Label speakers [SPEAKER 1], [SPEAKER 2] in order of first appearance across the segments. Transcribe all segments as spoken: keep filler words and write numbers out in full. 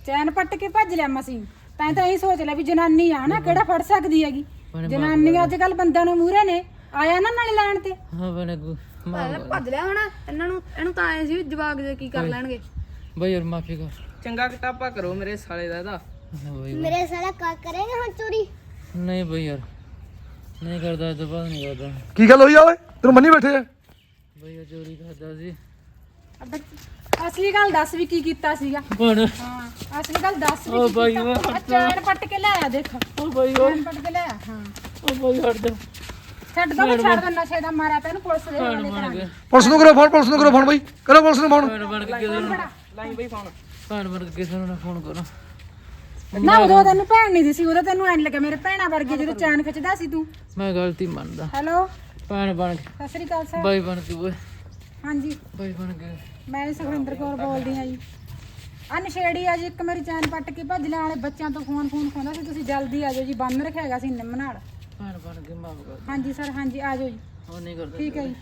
[SPEAKER 1] ਚੈਨ ਪੱਟ ਕੇ ਭੱਜ ਲਿਆ ਮਸੀਂ ਤਾਂ ਤਾਂ ਇਹ ਸੋਚ ਲਿਆ ਵੀ ਜਨਾਨੀ ਆ ਨਾ ਕਿਹੜਾ ਫੜ ਸਕਦੀ ਹੈਗੀ ਜਨਾਨੀ ਅੱਜ ਕੱਲ ਬੰਦਿਆਂ ਨੂੰ ਮੂਹਰੇ ਨੇ ਆਇਆ ਨਾ ਨਾਲੇ ਲੈਣ ਤੇ
[SPEAKER 2] ਹਾਂ ਬਣੇ
[SPEAKER 3] ਭੱਜ ਲਿਆ ਹੁਣ ਇਹਨਾਂ ਨੂੰ ਇਹਨੂੰ ਤਾਂ ਆਏ ਸੀ ਜਵਾਕ ਦੇ ਕੀ ਕਰ ਲੈਣਗੇ
[SPEAKER 2] ਬਈ ਯਾਰ ਮਾਫੀ ਕਰ
[SPEAKER 4] ਚੰਗਾ ਕਿਤਾਬਾ ਕਰੋ ਮੇਰੇ ਸਾਲੇ ਦਾ ਇਹਦਾ
[SPEAKER 5] ਮੇਰੇ ਸਾਲਾ ਕਾ ਕਰੇਗਾ ਹੁਣ ਚੋਰੀ
[SPEAKER 2] ਨਹੀਂ ਬਈ ਯਾਰ ਨਹੀਂ ਕਰਦਾ ਤਾਂ ਬਾਅਦ ਨਹੀਂ ਕਰਦਾ
[SPEAKER 6] ਕੀ ਗੱਲ ਹੋਈ ਆ ਓਏ ਤੈਨੂੰ ਮੰਨੀ ਬੈਠੇ ਆ
[SPEAKER 2] ਬਈ ਯਾਰ ਚੋਰੀ ਕਰਦਾ ਸੀ
[SPEAKER 1] ਅਸਲੀ ਗੱਲ ਦੱਸ ਵੀ ਕੀ ਕੀਤਾ ਸੀਗਾ
[SPEAKER 2] ਬਣ
[SPEAKER 1] ਹਾਂ ਅਸਲੀ ਗੱਲ ਦੱਸ ਵੀ
[SPEAKER 2] ਓ
[SPEAKER 1] ਕੀ
[SPEAKER 2] ਬਾਈ
[SPEAKER 1] ਕੀਤਾ
[SPEAKER 2] ਓ
[SPEAKER 1] ਆਹ ਚੈਨ ਪੱਟ ਕੇ ਲਿਆਇਆ ਦੇਖ
[SPEAKER 2] ਓ ਬਈ ਓ
[SPEAKER 1] ਚੈਨ ਪੱਟ ਕੇ ਲਿਆਇਆ ਹਾਂ
[SPEAKER 2] ਓ ਬਈ ਹਟ ਜਾ
[SPEAKER 1] ਛੱਡ ਦੋ ਛੱਡ ਦੋ ਨਸ਼ੇ ਦਾ ਮਾਰਿਆ ਤੈਨੂੰ ਪੁਲਿਸ ਦੇ ਹਵਾਲੇ ਕਰਾਂਗੇ
[SPEAKER 6] ਪੁਲਿਸ ਨੂੰ ਕਰੋ ਫੋਨ ਪੁਲਿਸ ਨੂੰ ਕਰੋ ਫੋਨ ਬਈ ਕਰੋ ਪੁਲਿਸ ਨੂੰ ਫੋਨ
[SPEAKER 2] ਭੈਣ ਬਣ ਕੇ ਕਿਸੇ ਨੂੰ
[SPEAKER 4] ਲਾਈ ਬਈ ਫੋਨ
[SPEAKER 2] ਭੈਣ ਬਣ ਕੇ ਕਿਸੇ ਨੂੰ ਨਾ ਫੋਨ ਕਰੋ
[SPEAKER 1] ਨਾ ਉਦੋਂ ਤੈਨੂੰ ਭੈਣ ਨਹੀਂ ਸੀ ਉਦੋਂ ਤੈਨੂੰ ਐਂ ਲੱਗਾ ਮੇਰੇ ਭੈਣਾ ਵਰਗੇ ਜਦੋਂ ਚੈਨ ਖਿੱਚਦਾ ਸੀ ਤੂੰ
[SPEAKER 2] ਮੈਂ ਗਲਤੀ ਮੰਨਦਾ
[SPEAKER 1] ਹੈਲੋ
[SPEAKER 2] ਭੈਣ ਬਣ ਕੇ
[SPEAKER 1] ਸਤਿ ਸ੍ਰੀ ਅਕਾਲ ਸਰ
[SPEAKER 2] ਬਾਈ ਬਣ ਕੇ ਓਏ
[SPEAKER 1] ਹਾਂਜੀ
[SPEAKER 2] ਬਾਈ ਬਣ ਕੇ
[SPEAKER 1] ਮੈਂ ਸੁਖਵਿੰਦਰ ਕੌਰ ਬੋਲਦੀ ਹਾਂ ਜੀ ਆ ਨਸ਼ੇੜੀ ਆ ਜੀ ਇੱਕ ਮੇਰੀ ਚੈਨ ਪੱਟ ਕੇ ਭੱਜ ਲੈਣ ਵਾਲੇ ਬੱਚਿਆਂ ਤੋਂ ਫੋਨ ਫੋਨ ਖੋਂਦਾ ਸੀ ਤੁਸੀਂ ਜਲਦੀ ਆ ਜਾਓ ਜੀ ਬੰਨ ਰੱਖਿਆ ਹੈਗਾ ਸੀ ਨਿੰਮ ਨਾਲ
[SPEAKER 2] ਭੈਣ ਬਣ ਕੇ ਮਾਫ ਕਰ
[SPEAKER 1] ਹਾਂਜੀ ਸਰ ਹਾਂਜੀ ਆ ਜਾਓ ਜੀ
[SPEAKER 2] ਉਹ ਨਹੀਂ ਕਰਦਾ
[SPEAKER 1] ਠੀਕ ਹੈ ਜੀ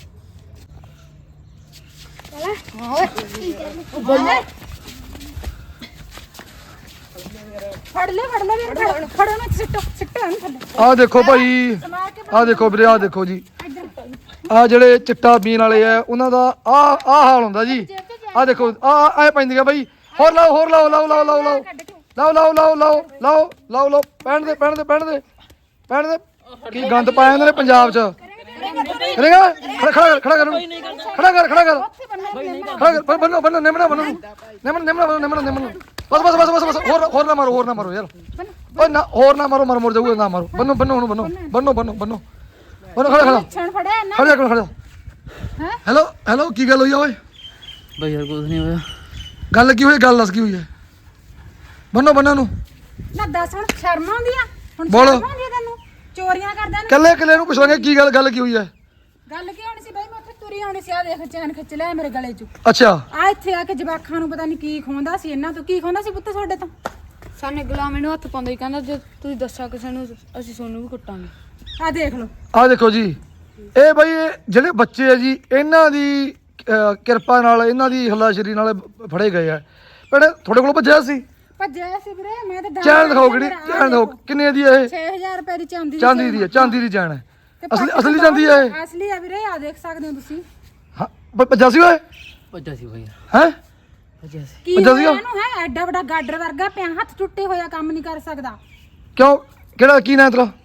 [SPEAKER 1] ਫੜ ਲੈ ਫੜ ਲੈ ਵੀਰ ਫੜ ਫੜੋ ਨਾ ਸਿੱਟੋ ਸਿੱਟੋ ਨਾ ਥੱਲੇ
[SPEAKER 6] ਆ ਦੇਖੋ ਭਾਈ
[SPEAKER 1] ਸਮਾਰ ਕੇ
[SPEAKER 6] ਆ ਦੇਖੋ ਵੀਰੇ ਆ ਦੇਖੋ ਜੀ
[SPEAKER 1] ਇੱਧਰ
[SPEAKER 6] ਆ ਜਿਹੜੇ ਚਿੱਟਾ ਪੀਣ ਵਾਲੇ ਆ ਉਹਨਾਂ ਦਾ ਆ ਆ ਹਾਲ ਹੁੰਦਾ ਜੀ ਆ ਦੇਖੋ ਆ ਐ ਪੈਂਦੀਆਂ ਬਾਈ ਹੋਰ ਲਾਓ ਹੋਰ ਲਾਓ ਲਾਓ ਲਾਓ ਲਾਓ ਲਾਓ ਲਾਓ ਲਾਓ ਲਾਓ ਲਾਓ ਲਾਓ ਲਾਓ ਲਾਓ ਪੈਣ ਦੇ ਪੈਣ ਦੇ ਪੈਣ ਦੇ ਪੈਣ ਦੇ ਕੀ ਗੰਦ ਪਾਇਆ ਇਹਨਾਂ ਨੇ ਪੰਜਾਬ 'ਚ ਕਰੇਗਾ ਖੜਾ ਖੜਾ ਖੜਾ ਕਰ ਖੜਾ ਕਰ ਖੜਾ ਕਰ ਖੜਾ ਕਰ ਬੰਨੋ ਬੰਨੋ ਨਿਮਣਾ ਬੰਨੋ ਨਿਮਣਾ ਨਿਮਣਾ ਬੰਨੋ ਨਿਮਣਾ ਨਿਮਣਾ ਬਸ ਬਸ ਬਸ ਬਸ ਬਸ ਹੋਰ ਹੋਰ ਨਾ ਮਾਰੋ ਹੋਰ ਨਾ ਮਾਰੋ ਯਾਰ ਓਏ ਨਾ ਹੋਰ ਨਾ ਮਾਰੋ ਮਰ ਮਰ ਜਾਊਗਾ ਨਾ ਮਾਰੋ ਬੰਨੋ ਬੰਨੋ ਹੁਣ ਬੰਨੋ ਬੰਨੋ ਬੰਨੋ ਬੰਨੋ ਬੰਨੋ ਖੜਾ ਖੜਾ
[SPEAKER 1] ਛਣ ਫੜਿਆ ਨਾ
[SPEAKER 6] ਖੜਾ ਕਰ ਖੜਾ
[SPEAKER 1] ਹੈ
[SPEAKER 6] ਹੈਲੋ ਹੈਲੋ ਕੀ ਗੱਲ ਹੋਈ ਆ ਓਏ
[SPEAKER 2] ਬਈ ਯਾਰ ਕੁਝ ਨਹੀਂ ਹੋਇਆ
[SPEAKER 6] ਗੱਲ ਕੀ ਹੋਈ ਗੱਲ ਦੱਸ ਕੀ ਹੋਈ ਹੈ ਬੰਨੋ ਬੰਨੋ ਨੂੰ
[SPEAKER 1] ਨਾ ਦੱਸ ਹੁਣ ਸ਼ਰਮ ਆਉਂਦੀ ਆ ਹੁਣ
[SPEAKER 6] ਬੋਲੋ।
[SPEAKER 1] ਸ਼ਰਮ ਆਉਂਦੀ ਆ ਤੈਨੂੰ ਚੋਰੀਆਂ ਕਰਦਾ ਨਾ
[SPEAKER 6] ਕੱਲੇ ਕੱਲੇ ਨੂੰ ਪੁੱਛਾਂਗੇ ਕੀ ਗੱਲ ਗੱਲ ਕੀ ਹੋਈ ਹੈ
[SPEAKER 1] ਗੱਲ ਕੀ ਹੋਣੀ ਸੀ ਬਾਈ ਮੈਂ ਉੱਥੇ ਤੁਰੀ ਆਉਣੀ ਸੀ ਆ ਦੇਖ ਚੈਨ ਖਿੱਚ ਲਿਆ ਮੇਰੇ ਗਲੇ 'ਚ
[SPEAKER 6] ਅੱਛਾ
[SPEAKER 1] ਆ ਇੱਥੇ ਆ ਕੇ ਜਵਾਖਾਂ ਨੂੰ ਪਤਾ ਨਹੀਂ ਕੀ ਖੋਂਦਾ ਸੀ ਇਹਨਾਂ ਤੋਂ ਕੀ ਖੋਂਦਾ ਸੀ ਪੁੱਤ ਤੁਹਾਡੇ ਤੋਂ
[SPEAKER 3] ਸਾਨੇ ਗੁਲਾਮ ਇਹਨੂੰ ਹੱਥ ਪਾਉਂਦਾ ਹੀ ਕਹਿੰਦਾ ਜੇ ਤੁਸੀਂ ਦੱਸਿਆ ਕਿਸੇ ਨੂੰ ਅਸੀਂ ਸੋਨੂੰ ਵੀ ਕੁੱਟਾਂਗੇ
[SPEAKER 1] ਆ ਦੇਖ ਲਓ
[SPEAKER 6] ਆ ਦੇਖੋ ਜੀ ਇਹ ਬਈ ਇਹ ਜਿਹੜੇ ਬੱਚੇ ਆ ਜੀ ਇਹਨਾਂ ਦੀ ਅਹ, ਕਿਰਪਾ ਨਾਲ ਇਹਨਾਂ ਦੀ ਹੱਲਾਸ਼ੇਰੀ ਨਾਲ ਫੜੇ ਗਏ ਆ ਪਰ ਤੁਹਾਡੇ ਕੋਲ ਭੱਜਿਆ ਸੀ
[SPEAKER 1] ਭੱਜਿਆ ਸੀ ਵੀਰੇ ਮੈਂ ਤਾਂ ਦਾਨ
[SPEAKER 6] ਚੈਨ ਦਿਖਾਓ
[SPEAKER 1] ਕਰਕੇ
[SPEAKER 6] ਕਿਹੜੀ
[SPEAKER 1] ਮੇਰਾ
[SPEAKER 6] ਚੈਨ ਦਿਖਾਓ ਕਿੰਨੇ ਦੀ ਹੈ ਇਹ
[SPEAKER 1] ਛੇ ਹਜ਼ਾਰ ਰੁਪਏ ਦੀ ਚਾਂਦੀ
[SPEAKER 6] ਚਾਂਦੀ ਦੀ ਹੈ ਚਾਂਦੀ ਦੀ ਚੈਨ ਹੈ
[SPEAKER 1] ਤੇ
[SPEAKER 6] ਅਸਲੀ
[SPEAKER 1] ਪੱਟ
[SPEAKER 6] ਅਸਲੀ
[SPEAKER 1] ਕੇ
[SPEAKER 6] ਚਾਂਦੀ ਹੈ ਇਹ
[SPEAKER 1] ਅਸਲੀ ਆ ਵੀਰੇ ਆ ਦੇਖ ਸਕਦੇ ਹੋ ਤੁਸੀਂ
[SPEAKER 6] ਹਾਂ ਭ- ਭੱਜਿਆ ਸੀ ਓਏ
[SPEAKER 2] ਭੱਜਾ ਸੀ ਬਈ ਯਾਰ
[SPEAKER 6] ਹੈ
[SPEAKER 2] ਭੱਜਾ ਸੀ
[SPEAKER 1] ਕੀ
[SPEAKER 6] ਭੱਜਿਆ
[SPEAKER 1] ਹੋਇਆ
[SPEAKER 6] ਸੀਗਾ?
[SPEAKER 1] ਇਹਨੂੰ ਹੈ ਐਡਾ ਵੱਡਾ ਗਾਡਰ ਵਰਗਾ ਪਿਆ ਹੱਥ ਟੁੱਟੇ ਹੋਇਆ ਕੰਮ ਨਹੀਂ ਕਰ ਸਕਦਾ
[SPEAKER 6] ਕਿਉਂ ਕਿਹੜਾ ਕੀ ਨਾਂ ਤੇਰਾ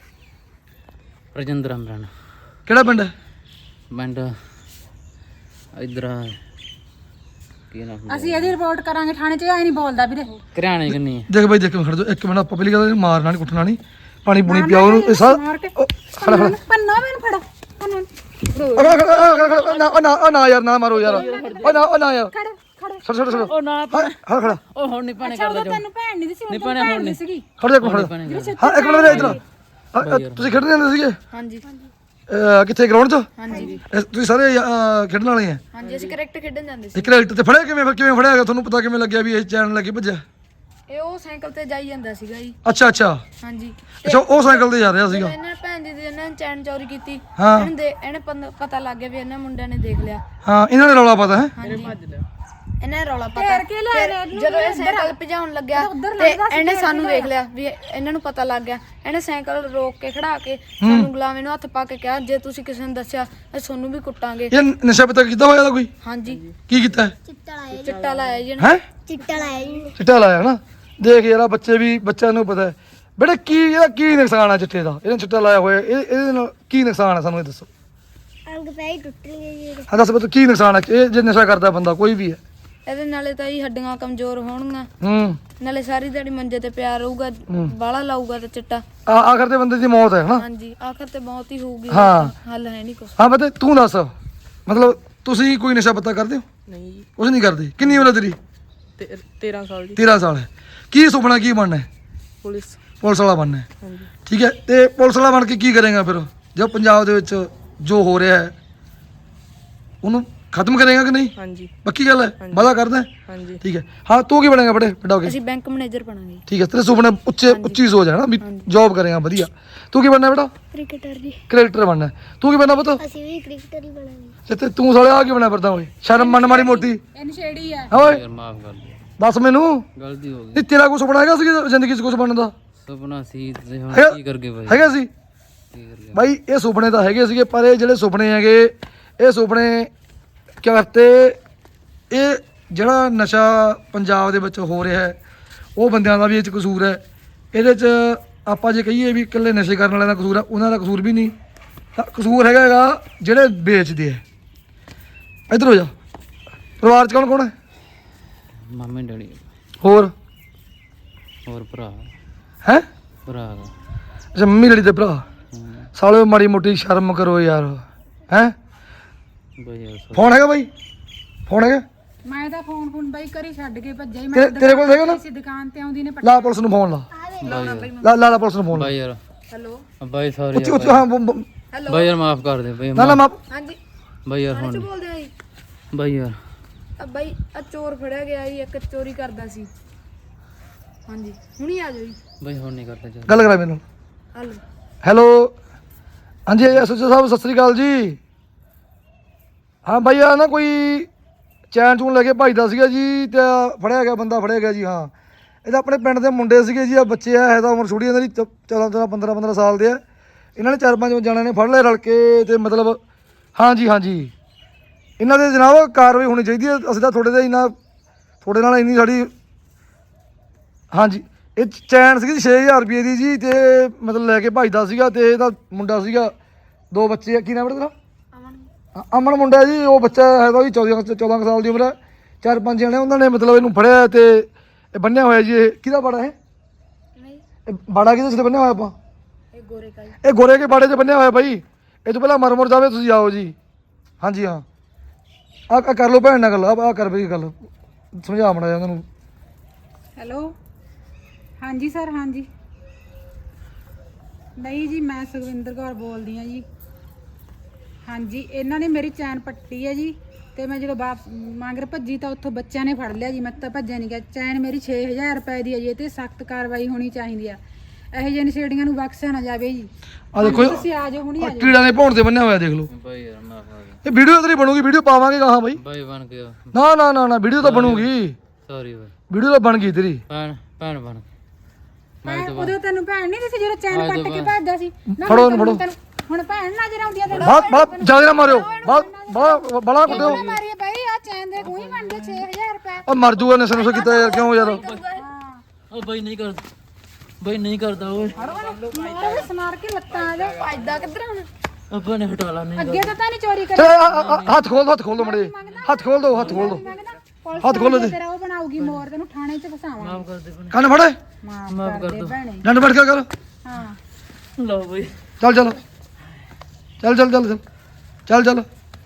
[SPEAKER 2] ਰਜਿੰਦਰ ਅਮਰਨ
[SPEAKER 6] ਕਿਹੜਾ ਪਿੰਡ ਹੈ
[SPEAKER 2] ਪਿੰਡ ਇਧਰ ਕੀ ਨਾਮ
[SPEAKER 1] ਅਸੀਂ ਇਹਦੀ ਰਿਪੋਰਟ ਕਰਾਂਗੇ ਥਾਣੇ 'ਚ ਐ ਨਹੀਂ ਬੋਲਦਾ ਵੀਰੇ
[SPEAKER 2] ਕਰਿਆਣੇ ਕਿੰਨੀ ਹੈ
[SPEAKER 6] ਦੇਖ ਬਈ ਦੇਖ ਖੜ ਜਾ ਇੱਕ ਮਿੰਟ ਆਪਾਂ ਪਹਿਲੀ ਗੱਲ ਮਾਰਨਾ ਨਹੀਂ ਕੁੱਟਣਾ ਨਹੀਂ ਪਾਣੀ ਪੂਣੀ ਪਿਆਓ ਨੂੰ ਇਹ ਸਾਰਾ
[SPEAKER 1] ਮਾਰ ਕੇ
[SPEAKER 6] ਉਹ, ਖੜਾ ਖੜਾ
[SPEAKER 1] ਪੰਨਾ ਮੈਨੂੰ ਫੜੋ ਪੰਨਾ
[SPEAKER 6] ਖੜਾ ਖੜਾ ਖੜਾ ਖੜਾ ਨਾ ਉਹ ਨਾ ਉਹ ਨਾ ਯਾਰ ਨਾ ਮਾਰੋ ਯਾਰ ਉਹ ਨਾ ਉਹ ਨਾ ਯਾਰ
[SPEAKER 1] ਖੜ ਖੜ
[SPEAKER 6] ਛੜ ਛੜ ਛੜ
[SPEAKER 2] ਉਹ ਨਾ
[SPEAKER 6] ਹਾਂ ਹਾਂ ਖੜਾ
[SPEAKER 2] ਉਹ ਹੁਣ ਨਹੀਂ ਪਾਣੇ
[SPEAKER 1] ਅੱਛਾ
[SPEAKER 2] ਕਰਦਾ
[SPEAKER 1] ਉਦੋਂ ਤੈਨੂੰ ਭੈਣ ਨਹੀਂ ਸੀ
[SPEAKER 2] ਨਹੀਂ
[SPEAKER 1] ਉਦੋਂ
[SPEAKER 2] ਭੈਣੇ,
[SPEAKER 1] ਭੈਣ
[SPEAKER 2] ਹੁਣ
[SPEAKER 1] ਨਹੀਂ
[SPEAKER 2] ਨਹੀਂ।
[SPEAKER 1] ਸੀਗੀ
[SPEAKER 6] ਖੜ ਜਾ ਖੜਾ
[SPEAKER 2] ਪਾਣੇ ਕਰਦਾ
[SPEAKER 6] ਹਾਂ ਇੱਕ ਮਿੰਟ ਵੀਰੇ ਇਧਰ ਤੁਸੀਂ ਖੇਡਦੇ ਹੁੰਦੇ ਸੀਗੇ
[SPEAKER 3] ਹਾਂਜੀ
[SPEAKER 6] ਅਹ, ਕਿੱਥੇ ਗਰਾਊਂਡ 'ਚ
[SPEAKER 3] ਹਾਂਜੀ
[SPEAKER 6] ਇਹ ਤੁਸੀਂ ਸਾਰੇ ਅਹ, ਖੇਡਣ ਵਾਲੇ ਆ
[SPEAKER 3] ਹਾਂਜੀ ਅਸੀਂ ਕ੍ਰਿਕਟ ਖੇਡਣ ਜਾਂਦੇ ਸੀ
[SPEAKER 6] ਤੇ ਕ੍ਰਿਕਟ ਤੇ ਫੜਿਆ ਕਿਵੇਂ ਫਿਰ ਕਿਵੇਂ ਫੜਿਆ ਗਿਆ ਤੁਹਾਨੂੰ ਪਤਾ ਕਿਵੇਂ ਲੱਗਿਆ ਵੀ ਇਹ ਚੈਨ ਲੱਗੀ ਭੱਜਿਆ
[SPEAKER 3] ਇਹ ਉਹ ਸਾਈਕਲ ਤੇ ਜਾਈ ਜਾਂਦਾ ਸੀਗਾ ਜੀ
[SPEAKER 6] ਅੱਛਾ ਅੱਛਾ
[SPEAKER 3] ਹਾਂਜੀ
[SPEAKER 6] ਅੱਛਾ ਉਹ ਸਾਈਕਲ ਤੇ ਜਾ ਰਿਹਾ ਸੀਗਾ
[SPEAKER 3] ਇਹਨਾਂ ਨੇ ਭੈਣ ਜੀ ਦੀ ਇਹਨਾਂ ਨੇ ਚੈਨ ਚੋਰੀ ਕੀਤੀ
[SPEAKER 6] ਹਾਂ।
[SPEAKER 3] ਇਹਨੂੰ ਦੇ ਇਹਨੇ ਪੰਦ- ਪਤਾ ਲੱਗ ਗਿਆ ਵੀ ਇਹਨਾਂ ਮੁੰਡਿਆਂ ਨੇ ਦੇਖ ਲਿਆ
[SPEAKER 6] ਹਾਂ ਇਹਨਾਂ ਨੇ ਰੌਲਾ ਪਤਾ ਹੈ
[SPEAKER 3] ਹਾਂਜੀ ਇਹਨਾਂ ਨੇ ਰੌਲਾ ਪਤਾ
[SPEAKER 1] ਘੇਰ ਕੇ ਲਿਆ
[SPEAKER 3] ਫਿਰ
[SPEAKER 1] ਇਹਨੂੰ
[SPEAKER 3] ਜਦੋਂ ਇਹ ਸਾਈਕਲ ਭਜਾਉਣ ਲੱਗਿਆ
[SPEAKER 1] ਉੱਧਰ
[SPEAKER 3] ਤੇ
[SPEAKER 1] ਲੱਗਦਾ ਸੀ
[SPEAKER 3] ਇਹਨੇ
[SPEAKER 1] ਘੇਰ
[SPEAKER 3] ਸਾਨੂੰ
[SPEAKER 1] ਕੇ
[SPEAKER 3] ਵੇਖ ਲਿਆ ਵੀ ਇਹਨਾਂ ਨੂੰ ਪਤਾ ਲੱਗ ਗਿਆ ਇਹਨੇ ਸਾਈਕਲ ਰੋਕ ਕੇ ਖੜਾ ਕੇ ਸਾਨੂੰ ਗੁਲਾਮੇ ਨੂੰ ਹੱਥ ਪਾ ਕੇ ਕਿਹਾ ਜੇ ਤੁਸੀਂ ਕਿਸੇ ਨੂੰ ਦੱਸਿਆ ਅਸੀਂ ਤੁਹਾਨੂੰ ਵੀ ਕੁੱਟਾਂਗੇ
[SPEAKER 6] ਇਹ ਨਸ਼ਾ ਪਤਾ ਕੀਤਾ ਹੋਇਆ ਦਾ ਕੋਈ
[SPEAKER 3] ਹਾਂਜੀ
[SPEAKER 6] ਕੀ ਕੀਤਾ ਹੈ
[SPEAKER 5] ਚਿੱਟਾ ਲਾਇਆ
[SPEAKER 3] ਚਿੱਟਾ ਲਾਇਆ ਜੀ ਇਹਨੇ।
[SPEAKER 6] ਹੈ
[SPEAKER 5] ਚਿੱਟਾ ਲਾਇਆ ਜੀ
[SPEAKER 6] ਚਿੱਟਾ ਲਾਇਆ ਨਾ ਦੇਖ ਯਾਰ ਆਹ ਬੱਚੇ ਵੀ ਬੱਚਿਆਂ ਨੂੰ ਪਤਾ ਹੈ ਬੇਟੇ ਕੀ ਇਹਦਾ ਕੀ ਨੁਕਸਾਨ ਆ ਚਿੱਟੇ ਦਾ ਇਹਨੇ ਚਿੱਟਾ ਲਾਇਆ ਹੋਇਆ ਇਹ ਇਹਦੇ ਨਾਲ ਕੀ ਨੁਕਸਾਨ ਹੈ ਸਾਨੂੰ ਇਹ ਦੱਸੋ
[SPEAKER 5] ਅੰਗ ਪੈ ਹੀ ਟੁੱਟ ਗਏ ਜੀ
[SPEAKER 6] ਹਾਂ ਦੱਸ ਬਤ ਕੀ ਨੁਕਸਾਨ ਹੈ ਇਹ ਜੇ ਨਸ਼ਾ ਕਰਦਾ ਬੰਦਾ ਕੋਈ ਵੀ ਹੈ
[SPEAKER 3] ਇਹਦੇ ਨਾਲੇ ਤਾਂ ਹੀ ਹੱਡੀਆਂ ਕਮਜ਼ੋਰ ਹੋਣਗੀਆਂ
[SPEAKER 6] ਹੂੰ
[SPEAKER 3] ਨਾਲੇ ਸਾਰੀ ਦਿਹਾੜੀ ਮੰਜੇ ਤੇ ਪਿਆ ਰਹੂਗਾ ਬਾਲਾ ਲਾਊਗਾ ਤੇ ਚਿੱਟਾ
[SPEAKER 6] ਆ ਆਖਰ ਤੇ ਬੰਦੇ ਦੀ ਮੌਤ ਹੈ ਹਨਾ
[SPEAKER 3] ਹਾਂਜੀ ਆਖਰ ਤੇ ਮੌਤ ਹੀ ਹੋਊਗੀ
[SPEAKER 6] ਹਾਂ।
[SPEAKER 3] ਹੱਲ ਹੈ ਨਹੀਂ ਕੁਛ
[SPEAKER 6] ਹਾਂ ਬਤੇ ਤੂੰ ਦੱਸ ਮਤਲਬ ਤੁਸੀਂ ਕੋਈ ਨਸ਼ਾ ਪੱਤਾ ਕਰਦੇ ਹੋ
[SPEAKER 4] ਨਹੀਂ ਜੀ
[SPEAKER 6] ਕੁਝ ਨਹੀਂ ਕਰਦੇ ਕਿੰਨੀ ਉਮਰ ਹੈ ਤੇਰੀ
[SPEAKER 4] ਤੇ- ਤੇਰਾਂ ਸਾਲ ਜੀ
[SPEAKER 6] ਤੇਰਾਂ ਸਾਲ ਹੈ ਕੀ ਸੁਪਨਾ ਕੀ ਬਣਨਾ ਹੈ
[SPEAKER 4] ਪੁਲਿਸ
[SPEAKER 6] ਪੁਲਿਸ ਵਾਲਾ ਬਣਨਾ ਹੈ
[SPEAKER 4] ਹਾਂਜੀ
[SPEAKER 6] ਠੀਕ ਹੈ ਤੇ ਪੁਲਿਸ ਵਾਲਾ ਬਣ ਕੇ ਕੀ ਕਰੇਗਾ ਫਿਰ ਜੋ ਪੰਜਾਬ ਦੇ ਵਿੱਚ ਜੋ ਹੋ ਰਿਹਾ ਹੈ ਉਹਨੂੰ ਖਤਮ ਕਰੇਗਾ ਕਿ ਨਹੀਂ
[SPEAKER 4] ਹਾਂਜੀ
[SPEAKER 6] ਪੱਕੀ ਗੱਲ ਹੈ ਵਾਦਾ ਕਰਦਾ ਹੈ?
[SPEAKER 4] ਹਾਂਜੀ
[SPEAKER 6] ਠੀਕ ਹੈ ਹਾਂ ਤੂੰ ਕੀ ਬਣੇਗਾ ਬੜੇ ਵੱਡਾ ਹੋ ਕੇ
[SPEAKER 3] ਅਸੀਂ ਬੈਂਕ ਮੈਨੇਜਰ ਬਣਾਂਗੇ
[SPEAKER 6] ਠੀਕ ਹੈ ਤੇਰੇ ਸੁਪਨੇ ਉੱਚੇ ਉੱਚੀ ਸੋਚ ਹੈ ਨਾ ਵੀ ਜੌਬ ਕਰੇਗਾ ਵਧੀਆ ਤੂੰ ਕੀ ਬਣਨਾ ਬੇਟਾ
[SPEAKER 5] ਕ੍ਰਿਕਟਰ ਜੀ
[SPEAKER 6] ਕ੍ਰਿਕਟਰ ਬਣਨਾ ਹੈ। ਤੂੰ ਕੀ ਬਣਨਾ ਪੁੱਤ
[SPEAKER 5] ਅਸੀਂ ਵੀ ਕ੍ਰਿਕਟਰ ਹੀ ਬਣਾਂਗੇ
[SPEAKER 6] ਤੇ ਤੇ ਤੂੰ ਸਾਲੇ ਆ ਕੀ ਬਣਾ ਫਿਰਦਾ ਓਏ ਸ਼ਰਮ ਮੰਨ ਮਾੜੀ ਮੋਟੀ
[SPEAKER 1] ਇਹ ਨਸ਼ੇੜੀ ਆ
[SPEAKER 6] ਹਾਂ ਓਏ
[SPEAKER 2] ਯਾਰ ਮਾਫ ਕਰ ਦੇ
[SPEAKER 6] ਦੱਸ ਮੈਨੂੰ
[SPEAKER 2] ਗਲਤੀ ਹੋ ਗਈ
[SPEAKER 6] ਇਹ ਤੇਰਾ ਕੋਈ ਸੁਪਨਾ ਹੈਗਾ ਸੀ ਕਿ ਜ਼ਿੰਦਗੀ 'ਚ ਕੁਝ ਬਣਨ ਦਾ
[SPEAKER 2] ਸੁਪਨਾ ਸੀ ਤੇ ਹੁਣ
[SPEAKER 6] ਹੈਗਾ-
[SPEAKER 2] ਕੀ ਕਰਗੇ ਬਾਈ
[SPEAKER 6] ਹੈਗਾ ਸੀ
[SPEAKER 2] ਕੀ ਕਰ ਲਿਆ
[SPEAKER 6] ਬਾਈ ਇਹ ਸੁਪਨੇ ਤਾਂ ਹੈਗੇ ਸੀਗੇ ਪਰ ਇਹ ਜਿਹੜੇ ਸੁਪਨੇ ਹੈਗੇ ਇਹ ਸੁਪਨੇ ਕਰਤੇ ਇਹ ਜਿਹੜਾ ਨਸ਼ਾ ਪੰਜਾਬ ਦੇ ਵਿੱਚ ਹੋ ਰਿਹਾ ਹੈ ਉਹ ਬੰਦਿਆਂ ਦਾ ਵੀ ਇਹ 'ਚ ਕਸੂਰ ਹੈ। ਇਹਦੇ 'ਚ ਆਪਾਂ ਜੇ ਕਹੀਏ ਵੀ ਇਕੱਲੇ ਨਸ਼ੇ ਕਰਨ ਵਾਲਿਆਂ ਦਾ ਕਸੂਰ ਹੈ, ਉਹਨਾਂ ਦਾ ਕਸੂਰ ਵੀ ਨਹੀਂ, ਤਾਂ ਕਸੂਰ ਹੈਗਾ ਹੈਗਾ ਜਿਹੜੇ ਵੇਚਦੇ ਹੈ। ਇੱਧਰ ਹੋ ਜਾ। ਪਰਿਵਾਰ 'ਚ ਕੌਣ ਕੌਣ ਹੈ?
[SPEAKER 2] ਮਾਮੇ ਡੈਡੀ
[SPEAKER 6] ਹੋਰ
[SPEAKER 2] ਹੋਰ ਭਰਾ
[SPEAKER 6] ਹੈ?
[SPEAKER 2] ਭਰਾ ਦਾ
[SPEAKER 6] ਅੱਛਾ ਮੰਮੀ ਡੈਡੀ ਦੇ ਭਰਾ।
[SPEAKER 2] ਹੂੰ।
[SPEAKER 6] ਸਾਲਿਓ ਮਾੜੀ ਮੋਟੀ ਸ਼ਰਮ ਕਰੋ ਯਾਰ ਹੈ।
[SPEAKER 2] ਬਾਈ ਯਾਰ sorry।
[SPEAKER 6] ਫੋਨ ਹੈਗਾ ਬਾਈ? ਫੋਨ ਹੈਗਾ?
[SPEAKER 1] ਮੈਂ ਤਾਂ ਫੋਨ ਫੋਨ ਬਾਈ ਕਰੀ ਛੱਡ ਕੇ ਭੱਜਿਆ ਹੀ।
[SPEAKER 6] ਤੇਰੇ- ਤੇਰੇ ਕੋਲ ਹੈਗਾ ਨਾ?
[SPEAKER 1] ਸੀ ਦੁਕਾਨ ਤੇ ਆਉਂਦੀ ਨੇ
[SPEAKER 6] ਲਾ ਪੁਲਿਸ ਨੂੰ ਫੋਨ ਲਾ
[SPEAKER 2] ਬਾਈ ਯਾਰ
[SPEAKER 6] ਲਾ ਲਾ ਲਾ ਪੁਲਿਸ ਨੂੰ ਫੋਨ ਲਾ।
[SPEAKER 2] ਬਾਈ ਯਾਰ
[SPEAKER 3] ਹੈਲੋ
[SPEAKER 2] ਬਾਈ ਸੌਰੀ
[SPEAKER 6] ਉੱਚੀ ਉੱਚੀ ਹਾਂ ਬ- ਬ-
[SPEAKER 3] ਹੈਲੋ
[SPEAKER 2] ਬਾਈ ਯਾਰ ਮਾਫ ਕਰ ਦੇ ਬਾਈ
[SPEAKER 6] ਨਾ ਨਾ ਮਾਪ
[SPEAKER 3] ਹਾਂਜੀ
[SPEAKER 2] ਬਾਈ ਯਾਰ
[SPEAKER 3] ਥਾਣੇ ਚ
[SPEAKER 2] ਹੁਣ
[SPEAKER 3] ਬੋਲਦੇ ਆ ਜੀ।
[SPEAKER 2] ਬਾਈ ਯਾਰ
[SPEAKER 3] ਆ ਬਾਈ ਆ ਚੋਰ ਫੜਿਆ ਗਿਆ ਜੀ, ਇੱਕ ਚੋਰੀ ਕਰਦਾ ਸੀ। ਹਾਂਜੀ ਹੁਣੀ ਆ ਜਾਓ ਜੀ।
[SPEAKER 2] ਬਾਈ ਹੁਣ ਨਹੀਂ ਕਰਦਾ ਚੱਲ
[SPEAKER 6] ਗੱਲ ਕਰਾ ਮੈਨੂੰ।
[SPEAKER 3] ਹਲੋ
[SPEAKER 6] ਹੈਲੋ ਹਾਂਜੀ ਐਸਓਜੀ ਸਾਹਿਬ ਸਤਿ ਸ੍ਰੀ ਅਕਾਲ ਜੀ। ਹਾਂ ਬਾਈ ਆ ਨਾ ਕੋਈ ਚੈਨ ਚੂਨ ਲੈ ਕੇ ਭੱਜਦਾ ਸੀਗਾ ਜੀ ਤੇ ਫੜਿਆ ਗਿਆ ਬੰਦਾ ਫੜਿਆ ਗਿਆ ਜੀ। ਹਾਂ ਇਹਦਾ ਆਪਣੇ ਪਿੰਡ ਦੇ ਮੁੰਡੇ ਸੀਗੇ ਜੀ। ਆ ਬੱਚੇ ਆ ਹੈ ਤਾਂ ਉਮਰ ਛੋਟੀ ਇਹਨਾਂ ਦੀ ਚੌਦਾਂ ਚੌਦਾਂ ਪੰਦਰਾਂ ਪੰਦਰਾਂ ਸਾਲ ਦੇ ਆ। ਇਹਨਾਂ ਨੇ ਚਾਰ ਪੰਜ ਜਣਿਆਂ ਨੇ ਫੜ ਲਏ ਰਲ ਕੇ ਤੇ ਮਤਲਬ ਹਾਂਜੀ ਹਾਂਜੀ ਇਹਨਾਂ ਦੇ ਜਨਾਬ ਕਾਰਵਾਈ ਹੋਣੀ ਚਾਹੀਦੀ ਹੈ। ਅਸੀਂ ਤਾਂ ਤੁਹਾਡੇ ਦੇ ਇੰਨਾ ਤੁਹਾਡੇ ਨਾਲ ਇੰਨੀ ਸਾਡੀ ਹਾਂਜੀ ਇਹ ਚੈਨ ਸੀਗੀ ਛੇ ਹਜ਼ਾਰ ਰੁਪਏ ਦੀ ਜੀ ਤੇ ਮਤਲਬ ਲੈ ਕੇ ਭੱਜਦਾ ਸੀਗਾ ਤੇ ਇਹਦਾ ਮੁੰਡਾ ਸੀਗਾ ਦੋ ਬੱਚੇ ਆ। ਕੀ ਨਾਮ ਹੈ ਤੇਰਾ?
[SPEAKER 3] ਅਮਨ
[SPEAKER 6] ਅ- ਅਮਨ ਮੁੰਡਾ ਜੀ। ਉਹ ਬੱਚਾ ਹੈਗਾ ਜੀ ਚੌਦਾਂ ਚੌਦਾਂ ਕੁ ਸਾਲ ਦੀ ਉਮਰ ਹੈ। ਚਾਰ ਪੰਜ ਜਣੇ ਉਹਨਾਂ ਨੇ ਮਤਲਬ ਇਹਨੂੰ ਫੜਿਆ ਤੇ ਇਹ ਬੰਨਿਆ ਹੋਇਆ ਜੀ। ਇਹ ਕਿਹਦਾ ਬਾੜਾ ਹੈ?
[SPEAKER 3] ਨਹੀਂ
[SPEAKER 6] ਇਹ ਬਾੜਾ ਕਿਹਦੇ ਸਿਰ ਬੰਨਿਆ ਹੋਇਆ ਆਪਾਂ?
[SPEAKER 3] ਇਹ ਗੋਰੇ ਕਾ ਜੀ।
[SPEAKER 6] ਇਹ ਗੋਰੇ ਕੇ ਬਾੜੇ 'ਚ ਬੰਨਿਆ ਹੋਇਆ ਬਾਈ। ਇਹ ਤੋਂ ਪਹਿਲਾਂ ਮਰ ਮੁਰ ਜਾਵੇ ਤੁਸੀਂ ਆਓ ਜੀ। ਹਾਂਜੀ ਹਾਂ ਆ ਕਰ ਲਓ ਭੈਣ ਨਾਲ ਗੱਲ। ਆ ਕਰ ਬਈ ਗੱਲ ਸਮਝਾ ਮੜਾ ਉਹਨਾਂ ਨੂੰ।
[SPEAKER 1] ਹੈਲੋ ਹਾਂਜੀ ਸਰ ਹਾਂਜੀ। ਨਹੀਂ ਜੀ ਮੈਂ ਸੁਖਵਿੰਦਰ ਕੌਰ ਬੋਲਦੀ ਆ ਜੀ। ਹਾਂਜੀ ਇਹਨਾਂ ਨੇ ਮੇਰੀ ਚੈਨ ਪੱਟੀ ਹੈ ਜੀ ਤੇ ਮੈਂ ਜਦੋਂ ਵਾਪਸ ਮੰਗਰ ਭੱਜੀ ਤਾਂ ਉੱਥੋਂ ਬੱਚਿਆਂ ਨੇ ਫੜ ਲਿਆ ਜੀ। ਮੈਂ ਤਾਂ ਭੱਜਿਆ ਨਹੀਂ ਗਿਆ। ਚੈਨ ਮੇਰੀ ਛੇ ਹਜ਼ਾਰ ਰੁਪਏ ਦੀ ਹੈ ਜੀ। ਇਹ ਤੇ ਸਖਤ ਕਾਰਵਾਈ ਹੋਣੀ ਚਾਹੀਦੀ ਆ। ਇਹੋ ਜਿਹੇ ਨਸ਼ੇੜੀਆਂ ਨੂੰ ਬਖਸ਼ਿਆ ਨਾ ਜਾਵੇ ਜੀ।
[SPEAKER 6] ਆ ਦੇਖੋ
[SPEAKER 1] ਹਾਂਜੀ, ਤੁਸੀਂ ਆ ਜਾਓ ਹੁਣੀ ਆ ਜਾਓ।
[SPEAKER 6] ਕੀੜਾ ਨੇ ਭੌਣ ਤੇ ਬੰਨਿਆ ਹੋਇਆ ਦੇਖ ਲਓ।
[SPEAKER 2] ਬਾਈ ਯਾਰ ਮਾਫ ਕਰ ਦੇ
[SPEAKER 6] ਇਹ ਵੀਡੀਓ ਤੇਰੀ ਬਣੂਗੀ। ਵੀਡੀਓ ਪਾਵਾਂਗੇ ਕਹਾਂ ਬਾਈ?
[SPEAKER 2] ਬਾਈ ਬਣ ਗਿਆ
[SPEAKER 6] ਨਾ ਨਾ ਨਾ ਨਾ ਵੀਡੀਓ ਤਾਂ ਬਣੂਗੀ।
[SPEAKER 2] ਸੌਰੀ ਬਾਈ
[SPEAKER 6] ਵੀਡੀਓ ਤਾਂ ਬਣ ਗਈ ਤੇਰੀ।
[SPEAKER 2] ਭੈਣ ਭੈਣ ਬਣ
[SPEAKER 1] ਭੈਣ ਉਦੋਂ ਤੈਨੂੰ ਭੈਣ ਨਹੀਂ ਸੀ ਜਦੋਂ ਚੈਨ
[SPEAKER 2] ਅੱਜ
[SPEAKER 1] ਪੱਟ
[SPEAKER 2] ਤੋਂ
[SPEAKER 1] ਕੇ
[SPEAKER 2] ਬਾਅਦ।
[SPEAKER 1] ਭੱਜਦਾ ਸੀ ਨਾ।
[SPEAKER 6] ਫੜੋ
[SPEAKER 1] ਹੁਣ
[SPEAKER 6] ਇਹਨੂੰ, ਫੜੋ।
[SPEAKER 1] ਤੈਨੂੰ- ਹੁਣ ਭੈਣ ਨਜ਼ਰ ਆਉਂਦੀ ਆ ਤੈਨੂੰ।
[SPEAKER 6] ਬਾਤ ਬਾਤ ਜਿਆਦਾ ਨਾ ਮਾਰਿਓ। ਬਾਤ ਬੜਾ ਬੜਾ ਕੁੱਟਿਓ।
[SPEAKER 1] ਕਿਉਂ ਮਾਰੀ ਬਈ ਆ ਚੈਨ ਦੇ ਕੋਈ ਬਣਦੇ ਛੇ ਹਜ਼ਾਰ ਰੁਪਏ।
[SPEAKER 6] ਉਹ ਮਰ ਜੂਗਾ ਨਸ਼ਾ ਨੁਸ਼ਾ ਕੀਤਾ ਯਾਰ ਕਿਉਂ ਯਾਰ?
[SPEAKER 2] ਉਹ ਬਾਈ ਨਹੀਂ ਕਰਦਾ ਬਾਈ ਨਹੀਂ ਕਰਦਾ ਓਏ
[SPEAKER 1] ਮਾਰ ਵੀ ਸਮਾਰ ਕੇ ਲੱਤਾਂ ਆ ਜਾ।
[SPEAKER 3] ਭੱਜਦਾ ਕਿੱਧਰ ਹੁਣ?
[SPEAKER 2] ਆਪਾਂ ਨੇ ਹਟਾ ਲਾ ਨਹੀਂ
[SPEAKER 1] ਅੱਗੇ ਤਾਂ ਤਾਂ ਨਹੀਂ ਚੋਰੀ
[SPEAKER 6] ਤੇ
[SPEAKER 1] ਕਰੀ।
[SPEAKER 6] ਆ- ਆ- ਆ- ਹੱਥ ਖੋਲ ਦੋ ਹੱਥ ਖੋਲ ਦੋ ਮੜੇ ਹੱਥ ਖੋਲ ਦੋ ਹੱਥ ਖੋਲ ਦੋ
[SPEAKER 1] ਪੁਲਿਸ
[SPEAKER 6] ਹੱਥ ਖੋਲੋ ਜੀ।
[SPEAKER 1] ਤੇਰਾ ਉਹ ਬਣਾਉਗੀ ਮੋਰ ਤੈਨੂੰ ਥਾਣੇ 'ਚ ਫਸਾਵਾਂ।
[SPEAKER 2] ਮਾਫ ਕਰ ਦੇ ਭੈਣੇ
[SPEAKER 6] ਕੰਨ ਫੜੇ
[SPEAKER 1] ਮਾਫ
[SPEAKER 2] ਮਾਫ਼
[SPEAKER 1] ਕਰ
[SPEAKER 2] ਕਰ
[SPEAKER 1] ਦੇ
[SPEAKER 2] ਦਿਓ।
[SPEAKER 1] ਭੈਣੇ।
[SPEAKER 6] ਡੰਡ ਬੈਠ ਕੇ ਕਰ।
[SPEAKER 1] ਹਾਂ
[SPEAKER 2] ਲਓ ਬਾਈ
[SPEAKER 6] ਚੱਲ ਚੱਲ ਚੱਲ ਚੱਲ ਚੱਲ ਚੱਲ ਚੱਲ ਚੱਲ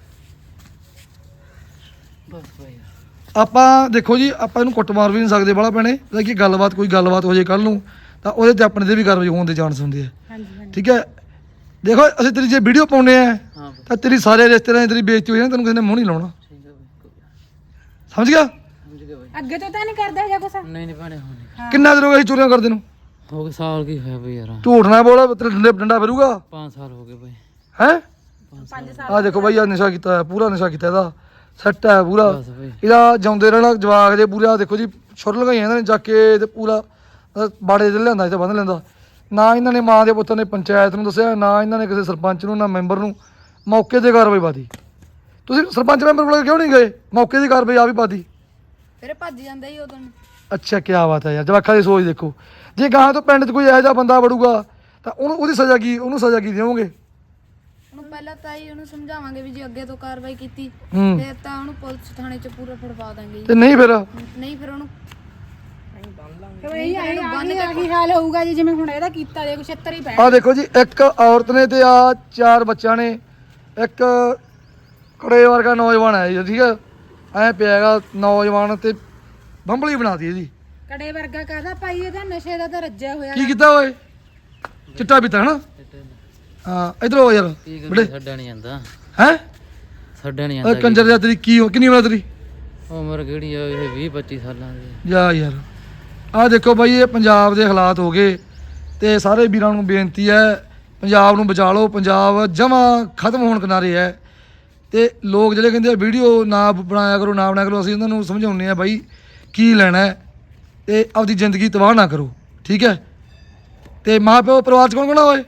[SPEAKER 2] ਬਸ ਬਾਈ
[SPEAKER 6] ਆਪਾਂ ਦੇਖੋ ਜੀ ਆਪਾਂ ਇਹਨੂੰ ਕੁੱਟ ਮਾਰ ਵੀ ਨਹੀਂ ਸਕਦੇ ਬਾਲਾ ਪੈਣੇ। ਜੇ ਕੀ ਗੱਲਬਾਤ ਕੋਈ ਗੱਲਬਾਤ ਹੋ ਜੇ ਕੱਲ ਨੂੰ ਤਾਂ ਉਹਦੇ ਤੇ ਆਪਣੇ ਤੇ ਵੀ ਕਾਰਵਾਈ ਹੋਣ ਦੇ ਚਾਂਸ ਹੁੰਦੇ ਆ।
[SPEAKER 1] ਹਾਂਜੀ ਹਾਂਜੀ
[SPEAKER 6] ਠੀਕ ਹੈ ਦੇਖੋ ਅਸੀਂ ਤੇਰੀ ਜੇ ਵੀਡੀਓ ਪਾਉਨੇ ਆ
[SPEAKER 2] ਹਾਂ ਬਾਈ
[SPEAKER 6] ਤਾਂ ਤੇਰੀ ਸਾਰੇ ਰਿਸ਼ਤੇਦਾਰਾਂ ਦੀ ਤੇਰੀ ਬੇਇੱਜ਼ਤੀ ਹੋਈ ਨਾ ਤੈਨੂੰ ਕਿਸੇ ਨੇ ਮੂੰਹ ਨਹੀਂ ਲਾਉਣਾ।
[SPEAKER 2] ਠੀਕ ਹੈ ਬਾਈ
[SPEAKER 6] ਸਮਝ ਗਿਆ?
[SPEAKER 2] ਸਮਝ ਗਿਆ ਬਾਈ
[SPEAKER 1] ਅੱਗੇ ਤੋਂ ਤਾਂ ਨਹੀਂ ਕਰਦਾ ਜਾਂ ਕੁਛ।
[SPEAKER 2] ਨਹੀਂ ਨਹੀਂ ਭੈਣੇ ਹੁਣ ਨਹੀਂ।
[SPEAKER 6] ਕਿੰਨਾ ਦਿਨ ਹੋ ਗਿਆ ਅਸੀਂ ਚੋਰੀਆਂ ਕਰਦੇ ਨੂੰ?
[SPEAKER 2] ਹੋ ਗਿਆ ਸਾਲ ਕੀ ਹੋਇਆ ਬਾਈ ਯਾਰ
[SPEAKER 6] ਝੂਠ ਨਾ ਬੋਲ ਤੇਰੇ ਡੰਡੇ ਡੰਡਾ ਫਿਰੂਗਾ
[SPEAKER 2] ਪੰਜ ਸਾਲ ਹੋ ਗਏ ਬਾਈ
[SPEAKER 6] ਹੈ।
[SPEAKER 1] ਪੰਜ ਸਾਲ
[SPEAKER 6] ਆ ਦੇਖੋ ਬਾਈ ਆ ਨਸ਼ਾ ਕੀਤਾ ਹੈ ਪੂਰਾ ਨਸ਼ਾ ਕੀਤਾ ਇਹਦਾ ਸੈੱਟ ਹੈ ਪੂਰਾ।
[SPEAKER 2] ਬਸ ਬਾਈ
[SPEAKER 6] ਇਹਦਾ ਜਾਉਂਦੇ ਰਹਿਣਾ ਜਵਾਕ ਦੇ ਪੂਰਾ ਦੇਖੋ ਜੀ ਛੁਰ ਲਗਾਈਆਂ ਇਹਨਾਂ ਨੇ ਚੱਕ ਕੇ ਤੇ ਪੂਰਾ ਅਹ ਬਾੜੇ ਦੇ ਲਿਆਂਦਾ ਇੱਥੇ ਬੰਨ ਲੈਂਦਾ। ਨਾ ਇਹਨਾਂ ਨੇ ਮਾਂ ਦੇ ਪੁੱਤਰ ਨੇ ਪੰਚਾਇਤ ਨੂੰ ਦੱਸਿਆ ਨਾ ਇਹਨਾਂ ਨੇ ਕਿਸੇ ਸਰਪੰਚ ਨੂੰ ਨਾ ਮੈਂਬਰ ਨੂੰ। ਮੌਕੇ ਤੇ ਕਾਰਵਾਈ ਪਾਦੀ। ਤੁਸੀਂ ਸਰਪੰਚ ਮੈਂਬਰ ਕੋਲ ਕਿਉਂ ਨਹੀਂ ਗਏ? ਮੌਕੇ ਦੀ ਕਾਰਵਾਈ ਆ ਵੀ ਪਾਦੀ।
[SPEAKER 3] ਫਿਰ ਭੱਜ ਜਾਂਦਾ ਹੀ ਉਦੋਂ।
[SPEAKER 6] ਅੱਛਾ ਕੀ ਬਾਤ ਹੈ ਯਾਰ ਜਵਾਕਾਂ ਦੀ ਸੋਚ ਦੇਖੋ। ਜੇ ਗਾਂ ਤੋਂ ਪਿੰਡ 'ਚ ਕੋਈ ਇਹੋ ਜਿਹਾ ਬੰਦਾ ਵੜੂਗਾ ਤਾਂ ਉਹਨੂੰ ਉਹਦੀ ਸਜ਼ਾ ਕੀ ਉਹਨੂੰ ਸਜ਼ਾ ਕੀ ਦੇਵੋਗੇ?
[SPEAKER 3] ਉਹਨੂੰ ਪਹਿਲਾਂ ਤਾਂ ਹੀ ਉਹਨੂੰ ਸਮਝਾਵਾਂਗੇ ਵੀ ਜੇ ਅੱਗੇ ਤੋਂ ਕਾਰਵਾਈ ਕੀਤੀ
[SPEAKER 6] ਹੂੰ
[SPEAKER 3] ਫਿਰ ਤਾਂ ਉਹਨੂੰ ਪੁਲਿਸ ਥਾਣੇ 'ਚ ਪੂਰਾ ਫੜਵਾ ਦਾਂਗੇ ਜੀ।
[SPEAKER 6] ਤੇ ਨਹੀਂ ਫਿਰ
[SPEAKER 3] ਨਹੀਂ ਫਿਰ ਉਹਨੂੰ
[SPEAKER 1] ਫਿਰ ਇਹੀ ਆਹੀ ਆਹੀ ਆਹੀ ਹਾਲ ਹੋਊਗਾ ਜੀ ਜਿਵੇਂ ਹੁਣ ਇਹਦਾ ਕੀਤਾ ਦੇ ਕੁਛ ਛਿੱਤਰ ਹੀ ਪੈਣ।
[SPEAKER 6] ਆ ਦੇਖੋ ਜੀ ਇੱਕ ਔਰਤ ਨੇ ਤੇ ਆ ਚਾਰ ਬੱਚਿਆਂ ਨੇ ਇੱਕ ਕੁੜੇ ਵਰਗਾ ਨੌਜਵਾਨ ਹੈ ਜੀ। ਠੀਕ ਹੈ ਐ ਪਿਆ ਹੈਗਾ ਨੌਜਵਾਨ ਤੇ ਬੰਬਲੀ ਬਣਾਤੀ ਇਹਦੀ।
[SPEAKER 1] ਕੜੇ ਵਰਗਾ ਕਾਹਦਾ ਭਾਈ ਇਹਦਾ ਨਸ਼ੇ ਦਾ ਤਾਂ ਰੱਜਿਆ ਹੋਇਆ।
[SPEAKER 6] ਕੀ ਕੀਤਾ ਓਏ? ਚਿੱਟਾ ਪੀਤਾ ਹਨਾ? ਹਾਂ ਇਧਰ ਆ ਯਾਰ
[SPEAKER 2] ਕੀ
[SPEAKER 6] ਬੜੇ
[SPEAKER 2] ਕਰੀਏ ਛੱਡਿਆ ਨਹੀਂ ਜਾਂਦਾ
[SPEAKER 6] ਹੈ
[SPEAKER 2] ਛੱਡਿਆ ਨਹੀਂ
[SPEAKER 6] ਓਏ
[SPEAKER 2] ਜਾਂਦਾ
[SPEAKER 6] ਕੰਜਰ ਦਾ ਤੇਰੀ ਕੀ ਕਿੰਨੀ ਉਮਰ ਤੇਰੀ?
[SPEAKER 2] ਉਮਰ ਕਿਹੜੀ ਆ ਇਹ ਵੀਹ ਪੱਚੀ ਸਾਲਾਂ ਦੀ
[SPEAKER 6] ਜਾ ਯਾਰ ਆ ਦੇਖੋ ਬਾਈ ਇਹ ਪੰਜਾਬ ਦੇ ਹਾਲਾਤ ਹੋ ਗਏ ਤੇ ਸਾਰੇ ਵੀਰਾਂ ਨੂੰ ਬੇਨਤੀ ਹੈ ਪੰਜਾਬ ਨੂੰ ਬਚਾ ਲਓ। ਪੰਜਾਬ ਜਮਾਂ ਖਤਮ ਹੋਣ ਕਿਨਾਰੇ ਹੈ ਤੇ ਲੋਕ ਜਿਹੜੇ ਕਹਿੰਦੇ ਆ ਵੀਡੀਓ ਨਾ ਬਣਾਇਆ ਕਰੋ ਨਾ ਬਣਾਇਆ ਕਰੋ ਅਸੀਂ ਉਹਨਾਂ ਨੂੰ ਸਮਝਾਉਂਦੇ ਆ ਬਾਈ ਕੀ ਲੈਣਾ ਹੈ ਤੇ ਆਪਦੀ ਜ਼ਿੰਦਗੀ ਤਬਾਹ ਨਾ ਕਰੋ, ਠੀਕ ਹੈ। ਤੇ ਮਾਂ ਪਿਓ ਪਰਿਵਾਰ ਚ ਕੌਣ ਕੌਣ ਆ ਓਏ?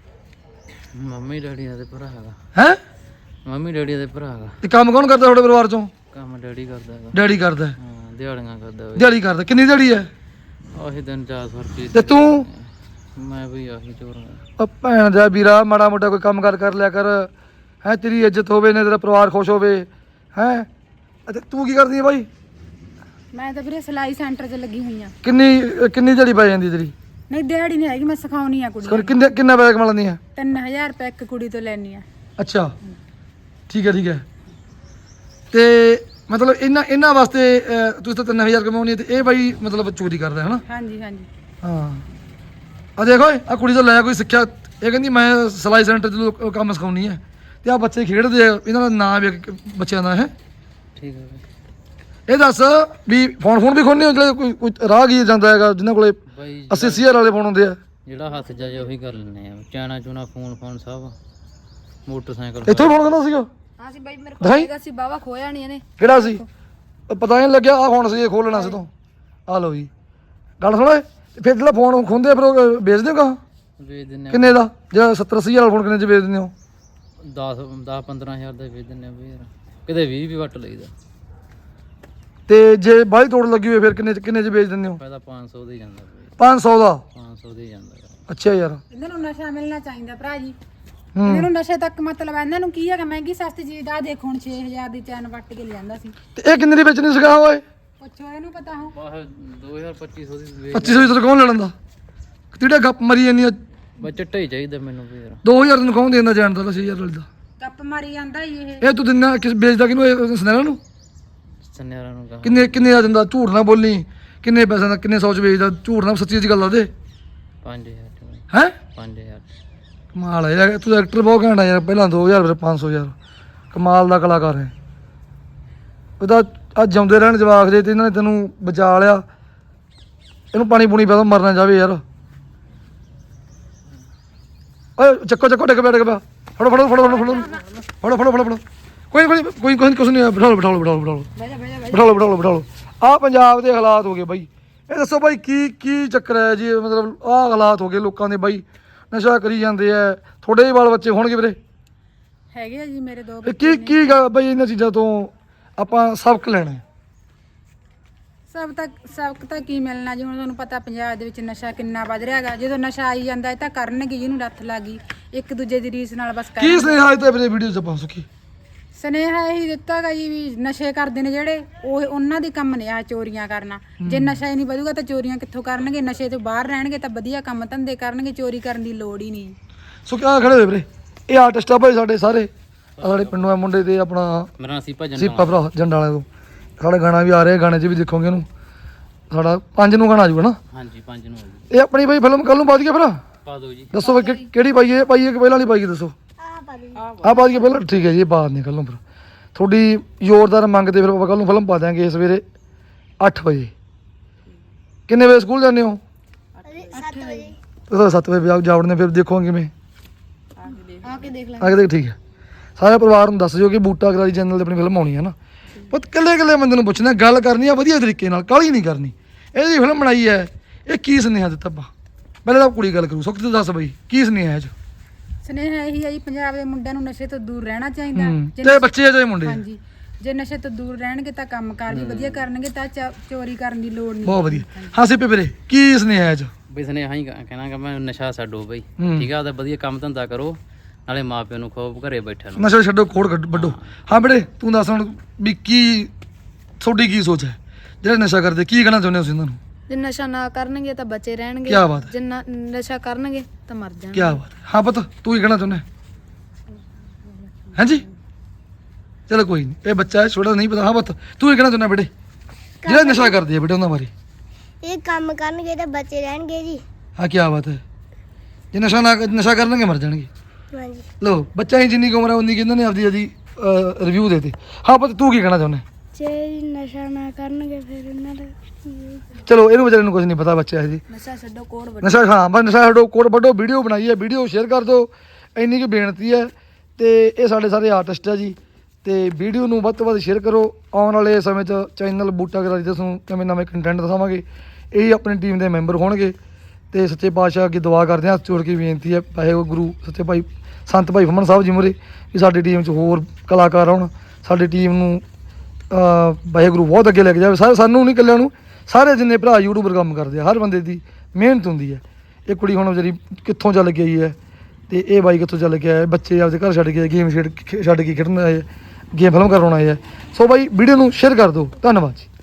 [SPEAKER 2] ਮੰਮੀ ਡੈਡੀ ਦਾ ਤੇ ਭਰਾ ਹੈਗਾ।
[SPEAKER 6] ਹੈ
[SPEAKER 2] ਮੰਮੀ ਡੈਡੀ ਦਾ ਭਰਾ ਹੈਗਾ।
[SPEAKER 6] ਤੇ ਕੰਮ ਕੌਣ ਕਰਦਾ ਤੁਹਾਡੇ ਪਰਿਵਾਰ ਚੋਂ?
[SPEAKER 2] ਕੰਮ ਡੈਡੀ ਕਰਦਾ ਹੈਗਾ।
[SPEAKER 6] ਡੈਡੀ ਕਰਦਾ।
[SPEAKER 2] ਹਾਂ ਦਿਹਾੜੀਆਂ ਕਰਦਾ ਬਈ।
[SPEAKER 6] ਦਿਹਾੜੀ ਕਰਦਾ। ਕਿੰਨੀ ਦਿਹਾੜੀ ਹੈ?
[SPEAKER 2] ਆਹੀ ਦਿਨ ਚਾਰ ਸੌ ਰੁਪਏ।
[SPEAKER 6] ਤੇ ਤੂੰ?
[SPEAKER 2] ਮੈਂ ਵੀ ਆਹੀ ਚੋਰ
[SPEAKER 6] ਉਹ ਭੈਣ ਦਾ ਵੀਰਾ ਮਾੜਾ ਮੋਟਾ ਕੋਈ ਕੰਮ ਕਰ ਕਰ ਲਿਆ ਕਰ ਹੈ, ਤੇਰੀ ਇੱਜ਼ਤ ਹੋਵੇ ਨੇ, ਤੇਰਾ ਪਰਿਵਾਰ ਖੁਸ਼ ਹੋਵੇ ਹੈ। ਅਤੇ ਤੂੰ ਕੀ ਕਰਦੀ ਹੈ ਬਾਈ?
[SPEAKER 1] ਮੈਂ ਤਾਂ ਵੀਰੇ ਸਿਲਾਈ ਸੈਂਟਰ 'ਚ ਲੱਗੀ ਹੋਈ ਆ।
[SPEAKER 6] ਕਿੰਨੀ ਕਿੰਨੀ ਦਿਹਾੜੀ ਪੈ ਜਾਂਦੀ ਤੇਰੀ?
[SPEAKER 1] ਨਹੀਂ ਦਿਹਾੜੀ ਨਹੀਂ ਹੈਗੀ, ਮੈਂ ਸਿਖਾਉਣੀ ਆ ਕੁੜੀ
[SPEAKER 6] ਸਕੂਲ ਕਿੰਨੇ ਕਿੰਨਾ ਪੈਸੇ ਕਮਾ ਲੈਂਦੀ ਹੈ?
[SPEAKER 1] ਤਿੰਨ ਹਜ਼ਾਰ ਰੁਪਏ ਇੱਕ ਕੁੜੀ ਤੋਂ ਲੈਣੀ ਆ।
[SPEAKER 6] ਅੱਛਾ ਠੀਕ ਹੈ ਠੀਕ ਹੈ। ਤੇ ਮਤਲਬ ਇਹਨਾਂ ਇਹਨਾਂ ਵਾਸਤੇ ਅਹ, ਤੁਸੀਂ ਤਾਂ ਤਿੰਨ ਹਜ਼ਾਰ ਕਮਾਉਣੀ ਹੈ ਤੇ ਇਹ ਬਾਈ ਮਤਲਬ ਚੋਰੀ ਕਰਦਾ ਹੈ ਨਾ?
[SPEAKER 1] ਹਾਂਜੀ ਹਾਂਜੀ।
[SPEAKER 6] ਹਾਂ ਆ ਦੇਖੋ ਆ ਕੁੜੀ ਤੋਂ ਲੈ ਕੋਈ ਸਿੱਖਿਆ, ਇਹ ਕਹਿੰਦੀ ਮੈਂ ਸਿਲਾਈ ਸੈਂਟਰ 'ਚ ਲੋਕ ਕੰਮ ਸਿਖਾਉਣੀ ਹੈ ਤੇ ਆ ਬੱਚੇ ਖੇਡਦੇ ਆ, ਇਹਨਾਂ ਦਾ ਨਾਂ ਵੀ ਇੱਕ ਬੱਚਿਆਂ ਦਾ ਹੈ।
[SPEAKER 2] ਠੀਕ ਹੈ
[SPEAKER 6] ਇਹ ਦੱਸ ਵੀ ਫੋਨ ਫੋਨ ਵੀ ਖੋਲ੍ਹਣੇ ਹੋ ਜਿਹੜੇ ਕੋਈ ਕੋਈ ਰਾਹਗੀਰ ਜਾਂਦਾ ਹੈਗਾ ਜਿਨ੍ਹਾਂ ਕੋਲੇ
[SPEAKER 2] ਬਾਈ।
[SPEAKER 6] ਅੱਸੀ ਅੱਸੀ ਹਜ਼ਾਰ ਵਾਲੇ ਫੋਨ ਹੁੰਦੇ ਆ?
[SPEAKER 2] ਜਿਹੜਾ ਹੱਥ ਜਾ ਜੇ ਉਹੀ ਕਰ ਲੈਣੇ ਆ। ਚਾਣਾ ਚੂਣਾ ਫੋਨ ਫੋਨ ਸਭ ਮੋਟਰਸਾਈਕਲ
[SPEAKER 6] ਇੱਥੋਂ ਫੋਨ ਕਰਨਾ ਸੀਗਾ?
[SPEAKER 3] ਹਾਂ ਸੀ ਬਾਈ ਮੇਰੇ ਕੋਲ
[SPEAKER 6] ਦਿਖਾਈ।
[SPEAKER 3] ਹੈਗਾ ਸੀ ਬਾਵਾ ਖੋਇਆ ਨਹੀਂ ਇਹਨੇ।
[SPEAKER 6] ਕਿਹੜਾ ਸੀ? ਉਹ ਪਤਾ ਨਹੀਂ ਲੱਗਿਆ ਆ ਫੋਨ ਸੀ, ਇਹ ਖੋਲ੍ਹਣਾ ਸੀ ਤੋਂ। ਆ ਲਓ ਜੀ ਗੱਲ ਸੁਣੋ। ਫਿਰ ਜਿਹੜਾ ਫੋਨ ਖੁੰਦੇ ਫਿਰ ਉਹ ਵੇਚ ਦਿਓ ਕਾ?
[SPEAKER 2] ਵੇਚ ਦਿੰਨੇ ਆ।
[SPEAKER 6] ਕਿੰਨੇ ਦਾ? ਜਿਹੜਾ ਸੱਤਰ ਅੱਸੀ ਹਜ਼ਾਰ ਫੋਨ ਕਿੰਨੇ 'ਚ ਵੇਚ ਦਿੰਦੇ ਹੋ?
[SPEAKER 2] ਦਸ ਦਸ ਪੰਦਰਾਂ ਹਜ਼ਾਰ ਦਾ ਵੇਚ ਦਿੰਨੇ ਆ ਬਈ ਯਾਰ। ਕਿਤੇ ਵੀਹ ਵੀ ਵੱਟ ਲਈਦਾ।
[SPEAKER 6] ਤੇ ਜੇ ਬਾਹਲੀ ਤੋੜ ਲੱਗੀ ਹੋਵੇ ਫਿਰ ਕਿੰਨੇ 'ਚ ਕਿੰਨੇ 'ਚ ਵੇਚ ਦਿੰਦੇ ਹੋ?
[SPEAKER 2] ਪਹਿਲਾਂ ਪੰਜ ਸੌ ਦਾ ਹੀ ਜਾਂਦਾ ਬਈ।
[SPEAKER 6] ਪੰਜ ਸੌ ਦਾ?
[SPEAKER 2] ਪੰਜ ਸੌ ਦਾ ਹੀ ਜਾਂਦਾ ਗਾ।
[SPEAKER 6] ਅੱਛਾ ਯਾਰ।
[SPEAKER 1] ਇਹਨਾਂ ਨੂੰ ਨਸ਼ਾ ਮਿਲਣਾ ਚਾਹੀਦਾ ਭਰਾ ਜੀ।
[SPEAKER 6] ਹੂੰ
[SPEAKER 1] ਇਹਨਾਂ ਨੂੰ ਨਸ਼ੇ ਤੱਕ ਮਤਲਬ ਇਹਨਾਂ ਨੂੰ ਕੀ ਹੈਗਾ, ਮਹਿੰਗੀ ਸਸਤੀ ਚੀਜ਼ ਦਾ ਦੇਖੋ ਹੁਣ ਛੇ ਹਜ਼ਾਰ ਦੀ ਚੈਨ ਵੱਟ ਕੇ ਲਿਆਂਦਾ ਸੀ।
[SPEAKER 6] ਤੇ ਇਹ ਕਿੰਨੇ ਦੀ ਵੇਚਣੀ ਸਿਖਾ ਓਏ?
[SPEAKER 1] ਪੁੱਛੋ ਇਹਨੂੰ ਪਤਾ ਹੋ।
[SPEAKER 2] ਬਾਹ ਦੋ ਹਜ਼ਾਰ ਪੱਚੀ ਸੌ ਦੀ ਵੇਚ।
[SPEAKER 6] ਪੱਚੀ ਸੌ ਦੀ ਕੌਣ ਲੈ ਲੈਂਦਾ? ਕਿਹੜਾ ਗੱਪ ਮਰੀ ਜਾਂਦੀ ਆ?
[SPEAKER 2] ਬਸ ਚਿੱਟਾ ਹੀ ਚਾਹੀਦਾ ਮੈਨੂੰ ਵੀ ਯਾਰ।
[SPEAKER 6] ਦੋ ਹਜ਼ਾਰ ਤੈਨੂੰ ਕੌਣ ਦੇਂਦਾ ਜਾਣ ਦਾ ਛੇ ਹਜ਼ਾਰ ਵਾਲੀ ਦਾ?
[SPEAKER 1] ਗੱਪ ਮਾਰੀ ਜਾਂਦਾ ਹੀ ਇਹ।
[SPEAKER 6] ਇਹ ਤੂੰ ਦਿੰਦਾ ਕਿਸ ਵੇਚਦਾ ਕਿਹਨੂੰ? ਇਹ ਸੁਨਹਿਰਾ ਨੂੰ?
[SPEAKER 2] ਸੰਨਿਆਰਾਂ ਨੂੰ ਕਹਾ।
[SPEAKER 6] ਕਿੰਨੇ ਕਿੰਨੇ ਦਾ ਦਿੰਦਾ? ਝੂਠ ਨਾ ਬੋਲੀ। ਕਿੰਨੇ ਪੈਸੇ ਦਾ ਕਿੰਨੇ ਸੌ ਚ ਵੇਚਦਾ? ਝੂਠ ਨਾ ਸੱਚੀ ਜੀ ਗੱਲ ਆ ਦੇ।
[SPEAKER 2] ਪੰਜ ਹਜ਼ਾਰ ਚ ਬਈ।
[SPEAKER 6] ਹੈ
[SPEAKER 2] ਪੰਜ ਹਜ਼ਾਰ।
[SPEAKER 6] ਕਮਾਲ ਹੈ ਯਾਰ, ਤੂੰ ਐਕਟਰ ਬਹੁਤ ਘੈਂਟ ਆ ਯਾਰ। ਪਹਿਲਾਂ ਦੋ ਹਜ਼ਾਰ ਫਿਰ ਪੰਜ ਸੌ ਯਾਰ। ਕਮਾਲ ਦਾ ਕਲਾਕਾਰ ਹੈ। ਉਹਦਾ ਅੱਜ ਜਿਉਂਦੇ ਰਹਿਣ ਜਵਾਕ ਜੇ ਤੇ ਇਹਨਾਂ ਨੇ ਤੈਨੂੰ ਬਚਾ ਲਿਆ। ਇਹਨੂੰ ਪਾਣੀ ਪੂਣੀ ਪਿਆ ਦੋ, ਮਰਨਾ ਜਾਵੇ ਯਾਰ। ਓਏ ਚੱਕੋ ਚੱਕੋ ਡਿੱਗ ਪਿਆ ਡਿੱਗ ਪਿਆ। ਫੜੋ ਫੜੋ ਫੜੋ ਫੜੋ ਫੜੋ ਫੜੋ ਫੜੋ ਫੜੋ ਫੜੋ। ਕੋਈ ਕੋਈ ਕੋਈ ਕੋਈ ਕੁਛ ਨਹੀਂ ਆ। ਬਿਠਾ ਲਓ ਬਿਠਾ ਲਓ ਬਿਠਾ ਲਓ ਬਿਠਾ ਲਓ ਬਿਠਾ ਲਓ ਬਿਠਾ ਲਓ ਬਿਠਾ ਲਓ। ਆਹ ਪੰਜਾਬ ਦੇ ਹਾਲਾਤ ਹੋ ਗਏ ਬਾਈ। ਇਹ ਦੱਸੋ ਬਾਈ ਕੀ ਕੀ ਚੱਕਰ ਹੈ ਜੀ? ਮਤਲਬ ਆਹ ਹਾਲਾਤ ਹੋ ਗਏ ਲੋਕਾਂ ਦੇ ਬਾਈ, ਨਸ਼ਾ ਕਰੀ ਜਾਂਦੇ ਆ। ਤੁਹਾਡੇ ਵੀ ਬਾਲ ਬੱਚੇ ਹੋਣਗੇ ਵੀਰੇ?
[SPEAKER 1] ਹੈਗੇ ਆ ਜੀ ਮੇਰੇ ਦੋ
[SPEAKER 6] ਇਹ ਕੀ ਕੀ ਗਾ ਬਾਈ ਇਹਨਾਂ ਚੀਜ਼ਾਂ ਤੋਂ ਆਪਾਂ ਸਬਕ ਲੈਣਾ ਹੈ?
[SPEAKER 1] ਸਭ ਤੱਕ ਸਬਕ ਤਾਂ ਕੀ ਮਿਲਣਾ ਜੀ। ਹੁਣ ਤੁਹਾਨੂੰ ਪਤਾ ਪੰਜਾਬ ਦੇ ਵਿੱਚ ਨਸ਼ਾ ਕਿੰਨਾ ਵੱਧ ਰਿਹਾ ਹੈਗਾ। ਜਦੋਂ ਨਸ਼ਾ ਆਈ ਜਾਂਦਾ ਇਹ ਤਾਂ ਕਰਨਗੇ, ਜਿਹਨੂੰ ਲੱਤ ਲੱਗ ਗਈ ਇੱਕ ਦੂਜੇ ਦੀ ਰੀਸ ਨਾਲ ਬਸ
[SPEAKER 6] ਕੀ
[SPEAKER 1] ਕਰਨਗੇ।
[SPEAKER 6] ਸੁਨੇਹਾ ਅੱਜ ਤੇ ਵੀਰੇ ਵੀਡੀਓ ਚ ਆਪਾਂ ਸੁਖੀ
[SPEAKER 1] ਸੁਨੇਹਾ ਇਹੀ ਦਿੱਤਾ ਗਾ ਜੀ ਵੀ ਨਸ਼ੇ ਕਰਦੇ ਨੇ ਜਿਹੜੇ ਉਹ ਉਹਨਾਂ ਦੇ ਕੰਮ ਨੇ ਆ ਚੋਰੀਆਂ ਕਰਨਾ। ਜੇ ਨਸ਼ਾ ਹੀ ਨਹੀਂ ਵਧੂਗਾ ਤਾਂ ਚੋਰੀਆਂ ਕਿੱਥੋਂ ਕਰਨਗੇ? ਨਸ਼ੇ ਤੋਂ ਬਾਹਰ ਰਹਿਣਗੇ ਤਾਂ ਵਧੀਆ ਕੰਮ ਧੰਦੇ ਕਰਨਗੇ, ਚੋਰੀ ਕਰਨ ਦੀ ਲੋੜ ਹੀ ਨਹੀਂ।
[SPEAKER 6] ਸੁਖੀ ਆ ਖੜੇ ਹੋਏ ਵੀਰੇ, ਇਹ ਆਰਟਿਸਟ ਆ ਭਾਈ ਸਾਡੇ ਸਾਰੇ। ਆਹ ਸਾਡੇ ਪਿੰਡੋਂ ਆ ਮੁੰਡੇ ਤੇ ਆਪਣਾ
[SPEAKER 2] ਮੇਰਾ ਨਾਂ ਸੀਪਾ ਜੰਡਾ।
[SPEAKER 6] ਸੀਪਾ ਭਰਾ ਜੰਡਾਂ ਵਾਲੇ ਤੋਂ। ਸਾਡਾ ਗਾਣਾ ਵੀ ਆ ਰਿਹਾ, ਗਾਣੇ 'ਚ ਵੀ ਦੇਖੋਗੇ ਇਹਨੂੰ। ਸਾਡਾ ਪੰਜ ਨੂੰ ਗਾਣਾ ਆ ਜੂਗਾ ਨਾ?
[SPEAKER 2] ਹਾਂਜੀ ਪੰਜ ਨੂੰ ਆ ਜੀ।
[SPEAKER 6] ਇਹ ਆਪਣੀ ਬਾਈ ਫਿਲਮ ਕੱਲ ਨੂੰ ਪਾ ਦਈਏ ਫਿਰ?
[SPEAKER 2] ਪਾ ਦਿਓ ਜੀ।
[SPEAKER 6] ਦੱਸੋ ਬਾਈ ਕਿ- ਕਿਹੜੀ ਪਾਈਏ? ਇਹ ਪਾਈਏ ਕਿ ਪਹਿਲਾਂ ਵਾਲੀ ਪਾਈਏ ਦੱਸੋ?
[SPEAKER 5] ਆ ਪਾ ਦੇ।
[SPEAKER 6] ਆਹ ਪਾ ਦਈਏ ਪਹਿਲਾਂ? ਠੀਕ ਹੈ ਜੀ, ਇਹ ਪਾ ਦਿੰਦੇ ਕੱਲ ਨੂੰ ਫਿਰ। ਤੁਹਾਡੀ ਜ਼ੋਰਦਾਰ ਮੰਗਦੇ ਫਿਰ ਆਪਾਂ ਕੱਲ ਨੂੰ ਫਿਲਮ ਪਾ ਦਿਆਂਗੇ ਸਵੇਰੇ ਅੱਠ ਵਜੇ। ਕਿੰਨੇ ਵਜੇ ਸਕੂਲ ਜਾਂਦੇ ਹੋ?
[SPEAKER 5] ਸੱਤ ਵਜੇ।
[SPEAKER 6] ਤੁਸੀਂ ਸੱਤ ਵਜੇ ਜਾਵੜਨੇ, ਫਿਰ ਦੇਖੋਗੇ ਕਿਵੇਂ?
[SPEAKER 3] ਆ ਕੇ ਦੇਖ ਲੈ।
[SPEAKER 6] ਆ ਕੇ ਦੇਖ। ਠੀਕ ਹੈ, ਸਾਰੇ ਪਰਿਵਾਰ ਨੂੰ ਦੱਸ ਦਿਓ ਕਿ ਬੂਟਾ ਕਰਾਰੀ ਚੈਨਲ ਤੇ ਆਪਣੀ ਫਿਲਮ ਆਉਣੀ ਹੈ ਨਾ। ਪੁੱਤ ਇਕੱਲੇ ਇਕੱਲੇ ਬੰਦੇ ਨੂੰ ਪੁੱਛਣਾ, ਗੱਲ ਕਰਨੀ ਆ ਵਧੀਆ ਤਰੀਕੇ ਨਾਲ, ਕਾਹਲੀ ਨਹੀਂ ਕਰਨੀ। ਇਹਦੀ ਫਿਲਮ ਬਣਾਈ ਹੈ, ਇਹ ਕੀ ਸੁਨੇਹਾ ਦਿੱਤਾ ਆਪਾਂ? ਪਹਿਲਾਂ ਤਾਂ ਕੁੜੀ ਗੱਲ ਕਰੂ। ਸੁੱਖ ਤੂੰ ਦੱਸ ਬਈ ਕੀ ਸੁਨੇਹਾ ਹੈ ਇਹ 'ਚ?
[SPEAKER 1] ਸੁਨੇਹਾ ਇਹੀ ਹੈ ਜੀ, ਪੰਜਾਬ ਦੇ ਮੁੰਡਿਆਂ ਨੂੰ ਨਸ਼ੇ ਤੋਂ ਦੂਰ ਰਹਿਣਾ ਚਾਹੀਦਾ।
[SPEAKER 6] ਹੂੰ,
[SPEAKER 1] ਜੇ
[SPEAKER 6] ਤੇ ਬੱਚੇ ਆ ਚਾਹੇ ਮੁੰਡੇ ਆ।
[SPEAKER 1] ਹਾਂਜੀ, ਜੇ ਨਸ਼ੇ ਤੋਂ ਦੂਰ ਰਹਿਣਗੇ ਤਾਂ ਕੰਮਕਾਰ ਵੀ ਵਧੀਆ ਕਰਨਗੇ ਤਾਂ ਚ- ਚੋਰੀ ਕਰਨ ਦੀ ਲੋੜ ਨਹੀਂ।
[SPEAKER 6] ਬਹੁਤ ਵਧੀਆ। ਹਾਂ ਸਿੱਪੇ ਵੀਰੇ ਕੀ ਸੁਨੇਹਾ ਹੈ ਇਹ 'ਚ?
[SPEAKER 2] ਬਈ ਸੁਨੇਹਾ ਹੀ ਕਹਿਣਾ ਕਿ ਮੈਂ ਨਸ਼ਾ ਛੱਡੋ ਬਈ।
[SPEAKER 6] ਹੂੰ।
[SPEAKER 2] ਠੀਕ ਆ, ਉਹਦਾ ਵਧੀਆ ਕੰਮ ਧੰਦਾ ਕਰੋ, ਨਾਲੇ ਮਾਪਿਆਂ ਨੂੰ ਖੋਬ ਘਰੇ ਬੈਠਿਆਂ ਨੂੰ।
[SPEAKER 6] ਨਸ਼ਾ ਛੱਡੋ, ਖੋੜ ਕੱਢ- ਵੱਢੋ। ਹਾਂ ਬੇਟੇ ਤੂੰ ਦੱਸ ਹੁਣ ਵੀ ਕੀ ਤੁਹਾਡੀ ਕੀ ਸੋਚ ਹੈ? ਜਿਹੜੇ ਨਸ਼ਾ ਕਰਦੇ ਕੀ ਕਹਿਣਾ ਚਾਹੁੰਦੇ ਹੋ ਤੁਸੀਂ ਇਹਨਾਂ ਨੂੰ?
[SPEAKER 3] ਜੇ ਨਸ਼ਾ ਨਾ ਕਰਨਗੇ ਤਾਂ ਬੱਚੇ ਰਹਿਣਗੇ।
[SPEAKER 6] ਕਿਆ ਬਾਤ ਹੈ।
[SPEAKER 3] ਜੇ ਨਾ- ਨਸ਼ਾ ਕਰਨਗੇ ਤਾਂ ਮਰ ਜਾਣਗੇ।
[SPEAKER 6] ਕੀ ਬਾਤ ਹੈ। ਹਾਂ ਪੁੱਤ ਤੂੰ ਕੀ ਕਹਿਣਾ ਚਾਹੁੰਦਾ? ਹਾਂਜੀ ਚਲੋ ਕੋਈ ਨਹੀਂ, ਇਹ ਬੱਚਾ ਹੈ ਛੋਟਾ, ਨਹੀਂ ਪਤਾ। ਹਾਂ ਪੁੱਤ ਤੂੰ ਕੀ ਕਹਿਣਾ ਚਾਹੁੰਦਾ ਬੇਟੇ? ਜਿਹੜੇ ਨਸ਼ਾ ਕਰਦੇ ਆ ਬੇਟੇ ਉਹਨਾਂ ਬਾਰੇ?
[SPEAKER 5] ਇਹ ਕੰਮ ਕਰਨਗੇ ਤਾਂ ਬੱਚੇ ਰਹਿਣਗੇ ਜੀ।
[SPEAKER 6] ਹਾਂ ਕੀ ਬਾਤ ਹੈ। ਜੇ ਨਸ਼ਾ ਨਾ ਨਸ਼ਾ ਕਰਨਗੇ ਮਰ ਜਾਣਗੇ।
[SPEAKER 5] ਹਾਂਜੀ।
[SPEAKER 6] ਲੋ ਬੱਚਾ ਹੀ ਜਿੰਨੀ ਕੁ ਉਮਰ ਹੈ ਉਨੀ ਕਿ ਇਹਨਾਂ ਨੇ ਆਪਦੀ ਆਪਦੀ ਰਿਵਿਊ ਦੇਤੇ। ਹਾਂ ਪੁੱਤ ਤੂੰ ਕੀ ਕਹਿਣਾ ਚਾਹੁੰਦਾ?
[SPEAKER 5] ਜੇ ਨਸ਼ਾ ਨਾ ਕਰਨਗੇ ਫਿਰ ਇਹਨਾਂ ਦਾ
[SPEAKER 6] ਚਲੋ ਇਹਨੂੰ ਵਿਚਾਰੇ ਨੂੰ ਕੁਝ ਨਹੀਂ ਪਤਾ, ਬੱਚਾ ਹੈ ਜੀ।
[SPEAKER 3] ਨਸ਼ਾ ਛੱਡੋ ਕੋੜ ਵੱਢੋ।
[SPEAKER 6] ਨਸ਼ਾ ਹਾਂ ਬਸ ਨਸ਼ਾ ਛੱਡੋ, ਕੋਡ ਵੱਢੋ। ਵੀਡੀਓ ਬਣਾਈ ਹੈ, ਵੀਡੀਓ ਸ਼ੇਅਰ ਕਰ ਦਿਓ, ਇੰਨੀ ਕੁ ਬੇਨਤੀ ਹੈ। ਤੇ ਇਹ ਸਾਡੇ ਸਾਰੇ ਆਰਟਿਸਟ ਆ ਜੀ, ਤੇ ਵੀਡੀਓ ਨੂੰ ਵੱਧ ਤੋਂ ਵੱਧ ਸ਼ੇਅਰ ਕਰੋ। ਆਉਣ ਵਾਲੇ ਸਮੇਂ 'ਚ ਚੈਨਲ ਬੂਟਾ ਗਰਾਰੀ ਦੇ ਤੁਹਾਨੂੰ ਨਵੇਂ ਨਵੇਂ ਕੰਟੈਂਟ ਦਿਖਾਵਾਂਗੇ। ਇਹ ਆਪਣੀ ਟੀਮ ਦੇ ਮੈਂਬਰ ਹੋਣਗੇ ਤੇ ਸੱਚੇ ਪਾਤਸ਼ਾਹ ਅੱਗੇ ਦੁਆ ਕਰਦੇ ਹਾਂ, ਹੱਥ ਜੋੜ ਕੇ ਬੇਨਤੀ ਹੈ ਵਾਹਿਗੁਰੂ ਸੱਚੇ ਭਾਈ ਸੰਤ ਭਾਈ ਫੁੰਮਣ ਸਾਹਿਬ ਜੀ ਮੂਹਰੇ ਵੀ ਸਾਡੀ ਟੀਮ 'ਚ ਹੋਰ ਕਲਾਕਾਰ ਆਉਣ, ਸਾਡੀ ਟੀਮ ਨੂੰ ਅਹ ਵਾਹਿਗੁਰੂ ਬਹੁਤ ਅੱਗੇ ਲੈ ਕੇ ਜਾਵੇ। ਸਾਰੇ ਸਾਨੂੰ ਨਹੀਂ ਇਕੱਲਿਆਂ ਨੂੰ, ਸਾਰੇ ਜਿੰਨੇ ਭਰਾ ਯੂਟਿਊਬਰ ਕੰਮ ਕਰਦੇ ਆ, ਹਰ ਬੰਦੇ ਦੀ ਮਿਹਨਤ ਹੁੰਦੀ ਹੈ। ਇਹ ਕੁੜੀ ਹੁਣ ਵਿਚਾਰੀ ਕਿੱਥੋਂ ਚੱਲ ਕੇ ਆਈ ਹੈ ਤੇ ਇਹ ਬਾਈ ਕਿੱਥੋਂ ਚੱਲ ਕੇ ਆਏ, ਬੱਚੇ ਆਪਦੇ ਘਰ ਛੱਡ ਕੇ ਗੇਮ ਛੱਡ ਛੱਡ ਕੇ ਖੇਡਣ ਆਏ, ਗੇਮ ਫਿਲਮ ਕਰਾਉਣ ਆਏ ਹੈ। ਸੋ ਬਾਈ ਵੀਡੀਓ ਨੂੰ ਸ਼ੇਅਰ ਕਰ ਦਿਓ। ਧੰਨਵਾਦ ਜੀ।